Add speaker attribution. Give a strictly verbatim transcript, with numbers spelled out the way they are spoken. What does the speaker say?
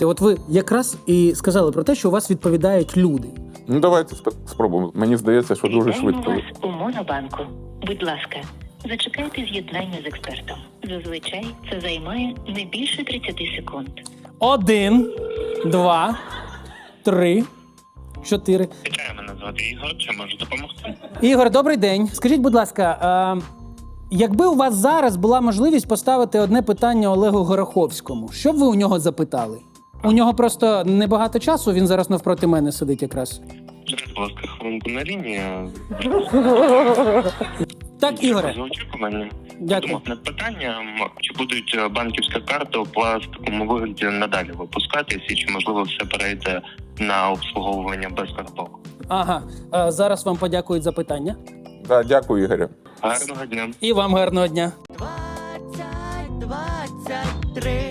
Speaker 1: От ви якраз і сказали про те, що у вас відповідають люди.
Speaker 2: Ну, давайте спробуємо. Мені здається, що дуже
Speaker 3: Вітаємо
Speaker 2: швидко.
Speaker 3: вас у Монобанку. Будь ласка, зачекайте з'єднання з експертом. Зазвичай це займає не більше тридцяти секунд.
Speaker 1: Один, два, три, чотири.
Speaker 4: Вітаю, мене звати Ігор. Чи можу допомогти?
Speaker 1: Ігор, добрий день. Скажіть, будь ласка, а, якби у вас зараз була можливість поставити одне питання Олегу Гороховському, що б ви у нього запитали? У нього просто небагато часу, він зараз навпроти мене сидить якраз.
Speaker 4: Будь ласка, хвилинку на лінії.
Speaker 1: Так, Ігоре.
Speaker 4: За очікування.
Speaker 1: Дякую.
Speaker 4: Думав над питанням, чи будуть банківські карти у пластиковому вигляді надалі випускатись, і чи можливо все перейде на обслуговування без карток.
Speaker 1: Ага, а, зараз вам подякують за питання.
Speaker 2: Да, дякую, Ігорю.
Speaker 4: Гарного дня.
Speaker 1: І вам гарного дня.
Speaker 5: двадцять двадцять три